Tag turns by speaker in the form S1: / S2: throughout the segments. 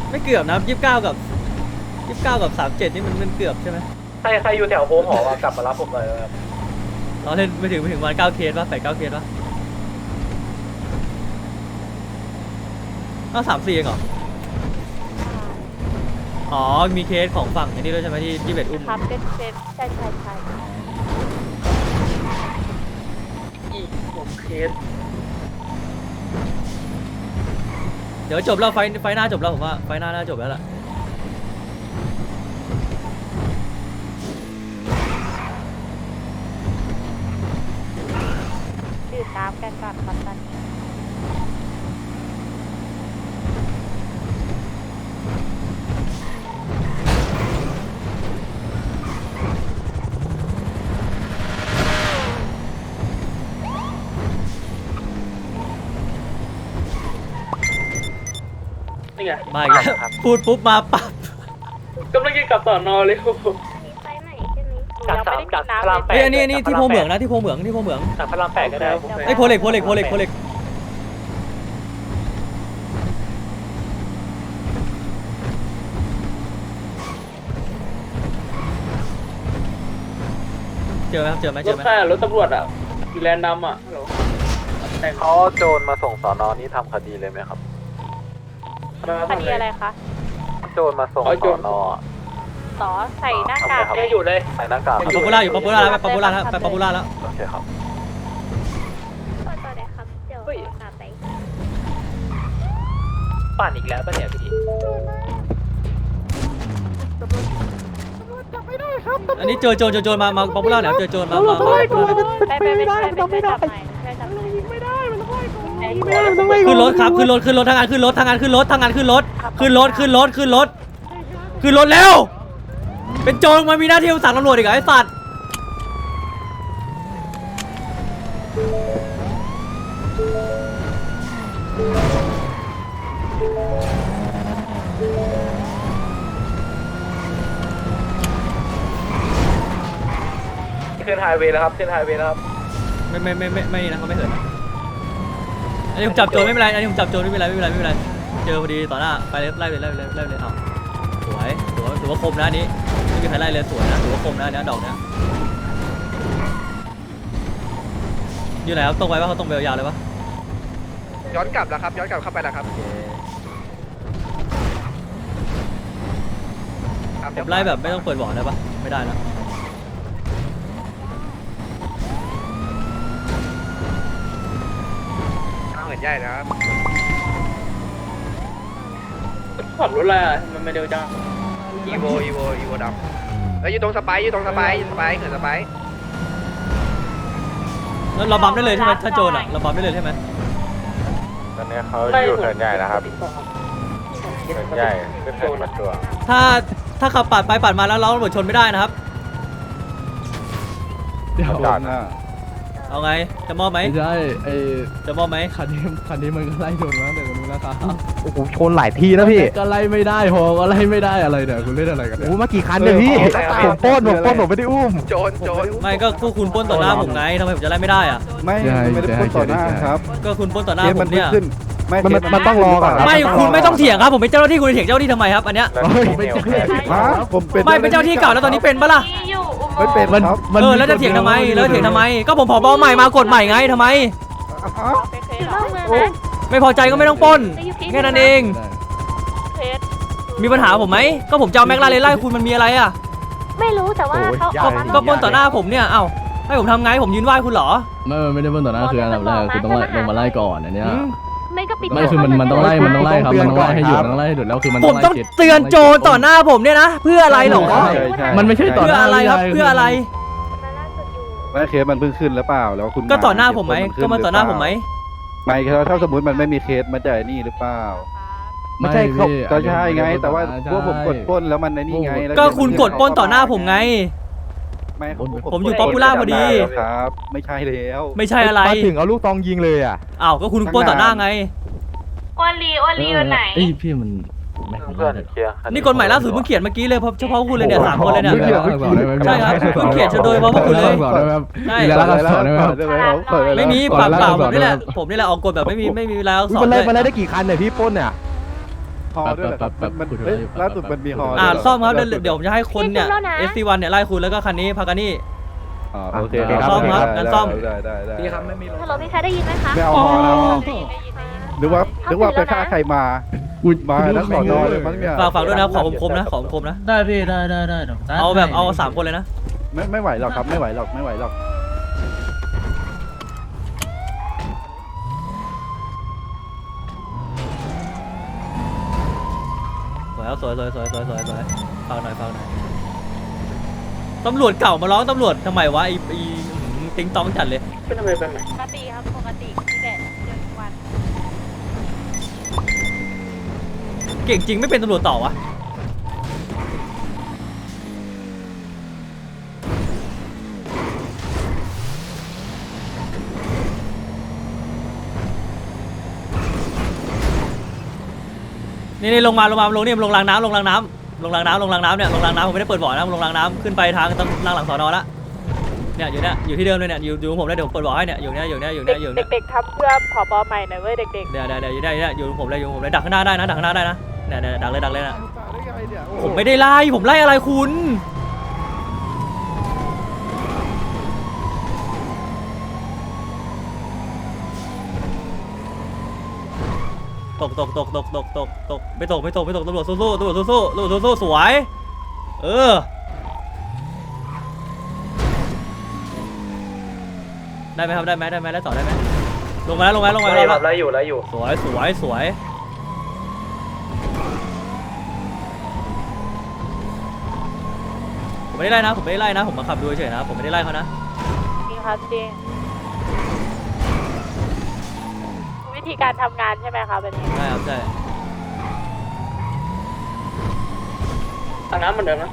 S1: ไม่เกือบนะ29 กับ 37นี่มันเกือบใช่ไหม
S2: ใครอยู่แถวโค้งหอกลับมารับผมหน่อยครับ
S1: เราเล่นไม่ถึงวัน9เคสป่ะ8-9เคสป่ะก็3-4เองเหรออ๋อมีเคสของฝั่งอันนี้ด้วยใช่ไหมที่เบ็ดอุ้ม
S3: ครับเป็นใช่
S2: อีก6 เคส
S1: เดี๋ยวจบแล้วไฟหน้าจบแล้วผมว่าไฟหน้าน่าจบแล้วล่ะ
S3: ดื่มน้ำกันก่อนครับตอนนี้
S2: นี่ไง
S1: มาอีกแล้วพูดปุ๊บมาปั๊บ
S2: กำลังจะกลับสอนอเลย
S3: มีไฟไหนใช่ไหมยังไม่ได้กินน้ำเลย
S1: เฮ้ยอันนี้ที่โพเหมืองนะที่โพเหมือง
S2: จากพระราม 8ก็ได้
S1: ไอ้ยโพเหล็กเจอไหมครับเจอไหม
S2: รถแค่รถตำรวจอ่ะอยู่แลนด์ดำอ่ะแต่
S4: เขาโจรมาส่งสอนอนี้ทำคดีเลยไหมครับ
S3: คดีอะไรคะ
S4: โจรมาส่งสอนอ
S3: ต่อใส่หน้ากาก
S2: ไม่อยู่เลย
S4: ใส่หน้ากาก
S1: ป๊อปปูล่าอยู่ป๊อปปูล่าแล้วไปป๊อปปูล่าแล้วไปป๊อปปูล่าแล้ว
S4: โอเคครับ
S3: ต่อไหนครับเดี๋ยวตามไป
S2: ปั่นอีกแล้วป่ะเนี่ยพี่
S1: อันนี้เจอโจรมาป๊อปปูล่าเนี่ยเจอโจรมา
S3: ไม่ได้มันต้องไม่ได้ไม่ได้มันต้องไล่
S1: ขึ้นรถครับขึ้นรถทางงานขึ้นรถแล้ว เป็นโจรมามีหน้าที่สั่งตำรวจอีกไอ้สัตว์
S2: ขึ้นไฮเวย์แล้วครับขึ้นไฮเวย์แล้วครับ
S1: ไม่นะเขาไม่เหินนะอันนี้ผมจับโจรไม่เป็นไรอันนี้ผมจับโจรไม่เป็นไรเจอพอดีต่อหน้าไปเลยไล่เลยเอาสวยถือว่าคมนะอันนี้ไม่มีใครไล่เลยสวยนะถือว่าคมนะอันนี้ดอกเนี้ยอยู่ไหนครับตรงไปปะเขาตรงไปยาวเลยปะ
S5: ย้อนกลับแล้วครับย้อนกลับเข้าไปแล้วครับ
S1: ผมไล่แบบไม่ต้องเปิดบ่อได้ปะไม่ได้นะ
S5: เหมือนใหญ่นะครับ
S2: ขับรถอะไรอ่ะมันไม่เร็วจัง
S5: อีโวดำอยู่ตรงสไปเหินสไป
S1: แล้วเราบัมได้เลยใช่ไหมถ้าโจรอ่ะเราบัมได้เลยใช่ไหม
S4: ตอนนี้เขาอยู่เหินใหญ่นะครับเหินใหญ่ขึ้นเหินประจวบ
S1: ถ้าขับปาดไปปาดมาแล้วเราตำรวจชนไม่ได้นะครับ
S4: จอดนะ
S1: เอาไงจะมอบไหม
S6: ไม่ใช่
S1: จะมอบไหม
S6: คันนี้มันก็ไล่โดนมาแต่ตรงนู้นนะครับ
S7: โอ้โหชนหลายทีแล้วพี่
S6: ก็ไล่ไม่ได้พอก็ไล่ไม่ได้อะไรเนี่ยคุณเล่นอะไรกัน
S7: โอ้
S6: เนี่ย
S7: โหมากี่คันเนี่ยพี่ผมปล้นผมไม่ได้อุ้ม
S5: โจร
S1: ไม่ก็พวกคุณปล้นต่อหน้าผมไงทำไมผมจะไล่ไม่ได้อ่ะ
S7: ไม่ได้ปล้นต่อหน้าครับ
S1: ก็คุณปล้นต่อหน้าผมเนี่ย
S7: มันต้องรอก่อน
S1: ไม่คุณไม่ต้องเถียงครับผมเป็นเจ้าหน้าที่คุณเถียงเจ้าหน้าที่ทำไมครับอันเนี้ย
S7: ผมเป็น
S1: ไม่เป็นเจ้าหน้าที่เก่าแล้วตอนนี้เป็นปะล่ะ
S7: ไม่เป็นครับ
S1: แล้วจะเถียงทำไมก็ผมผบใหม่มากฎใหม่ไงทำไม
S3: ไปเคสเหรอ
S1: ไม่พอใจก็ไม่ต้องปล้นแค่นั้นเอง
S3: เคส
S1: มีปัญหาผมไหมก็ผมจะเอาแม็กลาเรนไล่คุณมันมีอะไรอ่ะ
S3: ไม่รู้แต่ว่าเขา
S1: ก็ปล้นต่อหน้าผมเนี่ยเอ้าให้ผมทำไงผมยืนไหว้คุณเหรอ
S6: ไม่ได้เบิ้ลต่อหน้าคืออันดับแรกคือต้องลงมาไล่ก่อนอันเนี้ย
S3: ไม่ก็ปิด
S6: ไม่คือมันต้องไล่ครับมันต้องไล่ให้หยุดต้องไล่ให้หยุดแล้วคือมัน
S1: ผมต้องเตือนโจรต่อหน้าผมเนี่ยนะเพื่ออะไรหรอ
S6: มันไม่ใช่ต่อ
S1: เพื่
S6: ห
S1: อ
S6: น้า
S1: อะไรครับเพื่ออะไร
S7: ไม่เคสมันเพิ่งขึ้นแล้วเปล่าแล้วคุณ
S1: ก็ต่อหน้าผมไหมก็มาต่อหน้าผมไหม
S7: ไม่ถ้าสมมติมันไม่มีเคสมันจะนี่หรือเปล่า
S6: ไม่ใช่พี่
S7: ก็ใช่ไงแต่ว่าพวกผมกดปล้นแล้วมันในนี่ไง
S1: ก็คุณกดปล้นต่อหน้าผมไง ผมอยู่ป๊อปปูล่าพอดี
S7: ครับไม่ใช่แล้ว
S1: ไม่ใช่อะไร
S7: มาถึงเอาลูกตองยิงเลยอ่ะ
S1: อ้าวก็คุณปล้นต่อหน้าไง
S3: อ้วนลีอยู่ไหน
S6: เอ้ยพี่มันไม่
S4: เพื่อนเคลียร์
S1: นี่กฎหมายล่าสุดเพิ่งเขียนเมื่อกี้เลยเฉพาะคุณเลยเนี่ย3 คนเลยเนี่ย ใช่ครับ
S6: เพิ่
S1: เพิ่งเขียนโดยเฉพาะพวกคุณเลย ใช่
S6: แล้วก็สอนได้ไหมครับ
S1: ไม่มีปากเปล่าผมนี่แหละออกกฎแบบไม่มีรายลักษณ์อักษร
S7: มัน
S1: เล
S7: ไล่
S1: ย
S7: มาได้กี่คันเนี่ยพี่ปล้นเนี่ยฮอด้วยเหรอครับมันเฮ้ยล่าสุดมันมีฮอด้วยเหร
S1: ซ่อมครับเดี๋ยวผมจะให้คนเนี่ย SC1 เนี่ยไล่คุณแล้วก็คันนี้พากันนี่
S7: อ๋อโอเค
S1: ซ่อมครับงั้นซ่อม
S7: ได้
S3: พี่ครับไม่มีฮัลโหลพี่ชายได้ยินไหมคะ
S7: ไม่เอาฮอนะนึกว่าไปฆ่าใครมามาแล้วสอนอเลยมั้งเนี่ย
S1: ฝากด้วยนะขอคมๆนะขอคมๆนะ
S6: ได้พี่ได้
S1: เอาแบบเอา3คนเลยนะ
S7: ไม่ไหวหรอกครับไม่ไหวหรอก
S1: สวยครับสวยฟังหน่อยตำรวจเก่ามาร้องตำรวจทำไมวะไอ้ติ๊งต้องจัดเลย
S2: เป็นทำไมเป็นไหม
S3: ปกติครับปกติที่แบบเจอทุกวัน
S1: เก่งจริงไม่เป็นตำรวจต่อวะนี่ลงมาลงนี่ลงรางน้ำเนี่ยลงรางน้ำผมไม่ได้เปิดบ่อนะลงรางน้ำขึ้นไปทางหลังสอนอละเนี่ยอยู่ที่เดิมเลยเนี่ยอยู่ผมเลยเดี๋ยวผมเปิดบ่อให้เนี่ยอยู่เนี่ย
S3: เด็กๆทำเพื่อผบใหม่หน่อยเว้ยเด็ก
S1: เดี๋ยวอยู่ผมเลยดักข้างหน้าได้นะเนี่ยดักเลยนะผมไม่ได้ไล่ผมไล่อะไรคุณตกไม่ตกตำรวจสู้สวยได้ไหมครับได้ไหมได้ต่อได้ไหมลงมา
S5: ครับไล่อยู่
S1: สวยผมไม่ได้ไล่นะผมมาขับดูเฉยนะผมไม่ได้ไล่เขานะ
S3: ๆจริงครับจริงวิธีการทำงานใช่ไหมคะแบบนี้
S1: ใช่ครับใช่
S2: ทางน้ำเหมือนเดิมนะ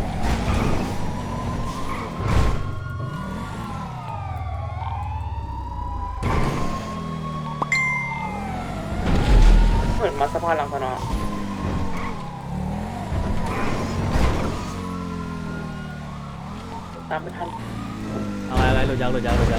S2: เหมือนมาสะพานหลังสนอตามไม่ทัน
S1: เอาอะไรหลุดยาง
S2: เจ็บหลุดหรอ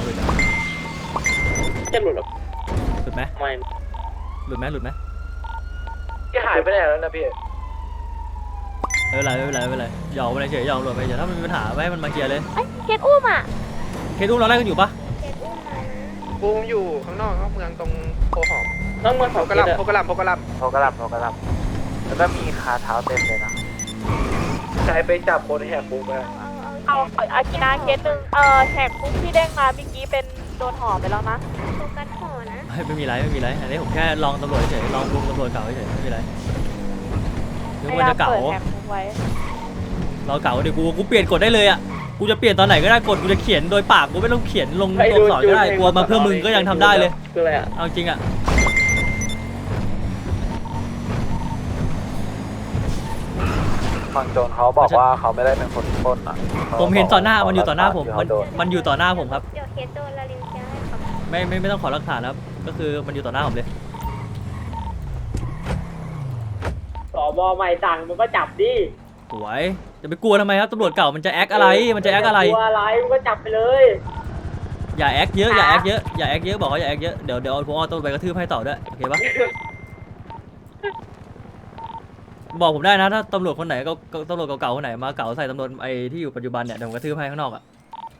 S1: หลุดไหม
S2: ไม่
S1: หลุดไหม
S5: ที่หายไปไหนแล้วนะพี่
S1: ไม่เป็นไรหยอกไปเฉยหยอกหลุดไปเฉยถ้ามันมีปัญหาไม่ให้มันมาเคลียร์เลย
S3: เอ้ยเคสอุ้มอ่ะ
S1: เคสอุ้มเราไล่กันอยู่ปะ
S3: เคสอุ้มมา
S5: ปูมอยู่ข้างนอกเมืองตรงโพหอม
S2: น้องเมือง
S5: โพ
S2: เขา
S5: กระลำ
S4: โพกระลำแล้วก็มีคาเท้าเต็มเลยนะ
S5: ใช้ไปจับคนแหกคุกไป
S3: เอาอากินาเคสหนึ่งแหกคุกที่เด้งมาเมื่อกี้เป็นโดนห่อไปแล้วนะโฟกัสห่อนะ
S1: ไม่มีไรอันนี้ผมแค่ลองตำรวจเฉยลองลุงตำรวจเก่าเฉยไม่มีไรนึกว่าจะเก่า
S3: เปิดแหกคุกไว้
S1: เราเก่าเดี๋ยวกูเปลี่ยนกฎได้เลยอ่ะกูจะเปลี่ยนตอนไหนก็ได้กฎกูจะเขียนโดยปากกูไม่ต้องเขียนลงตัวอักษรก็ได้กลัวมาเพื่อมึงก็ยังทำได้เลย
S2: คืออะไรอ่ะ
S1: เอาจริงอ่ะ
S4: ฝั่งโจรเขาบอกว่าเขาไม่ได้เป็นคนปล้นอ่ะ
S1: ผมเห็นต่อหน้ามันอยู่ต่อหน้าผมมันอยู่ต่อหน้าผมครับ
S3: เดี๋ยวเคสโดนละลินจะให้ครับ
S1: ไม่ต้องขอหลักฐานครับก็คือมันอยู่ต่อหน้าผมเลย
S2: สบใหม่สั่งมันก็จับดิ
S1: สวยจะไปกลัวทำไมครับตำรวจเก่ามันจะแอคอะไรมันจะแอคอะไร
S2: กลัวอะไรมันก็จับไปเลย
S1: อย่าแอคเยอะบอกว่าอย่าแอคเยอะเดี๋ยวผมเอาตัวไปกระทืบให้ต่อด้วยโอเคปะบอกผมได้นะถ้าตำรวจคนไหนก็ตำรวจเก่าๆคนไหนมาเก่าใส่ตำรวจไอ้ที่อยู่ปัจจุบันเนี่ยเดี๋ยวผมกระทืบให้ข้างนอกอ่ะ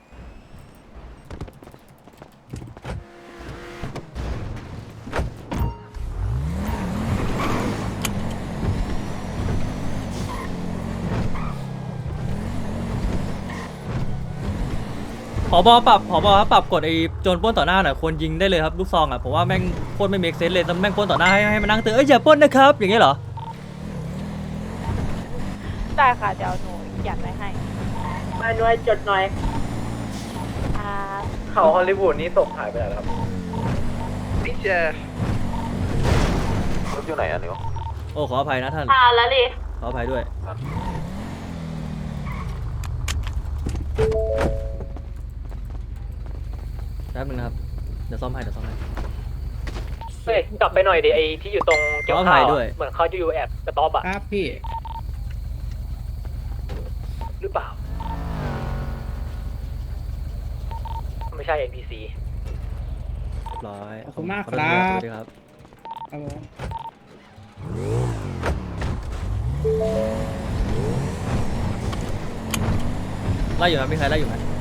S1: ผบปรับกฎไอ้โจรปล้นต่อหน้าหน่อยควรยิงได้เลยครับลูกซองอ่ะผมว่าแม่งโคตรไม่เมคเซนส์เลยแต่แม่งปล้นต่อหน้าให้มานั่งเตือนอย่าปล้นนะครับอย่างเงี้ยเหรอ
S3: ได้ค่ะเดี๋ยวหนูหยัดไว้ให้
S2: มาหน่วยจดหน่อย
S3: อ่า
S5: เขาฮอลลีวูดนี้ตกหายไปไหนแล้วครับนี่เจอ
S4: รถอยู่ไหนอ่ะนิว
S1: โอ้ขออภัยนะท่าน
S3: แล้วดิ
S1: ขออภัยด้วยแป๊บนึงนะครับเดี๋ยวซ่อมให้
S2: เฮ้ยกลับไปหน่อยดิไอที่อยู่ตรงเกี่ยว
S1: ขออภั
S2: ข้าวย
S1: ด้วย
S2: เหมือนเขาจะอยู่แอบกระต๊อบอ่ะ
S8: ครับพี่
S2: หรือเปล่า ไม่ใช่ NPC
S1: เรียบร้อย
S8: ขอบคุณมากครับ
S1: สวัสดีครับ
S8: ครับผม
S1: ไล่อยู่ไหมมีใครไล่อยู่ไหม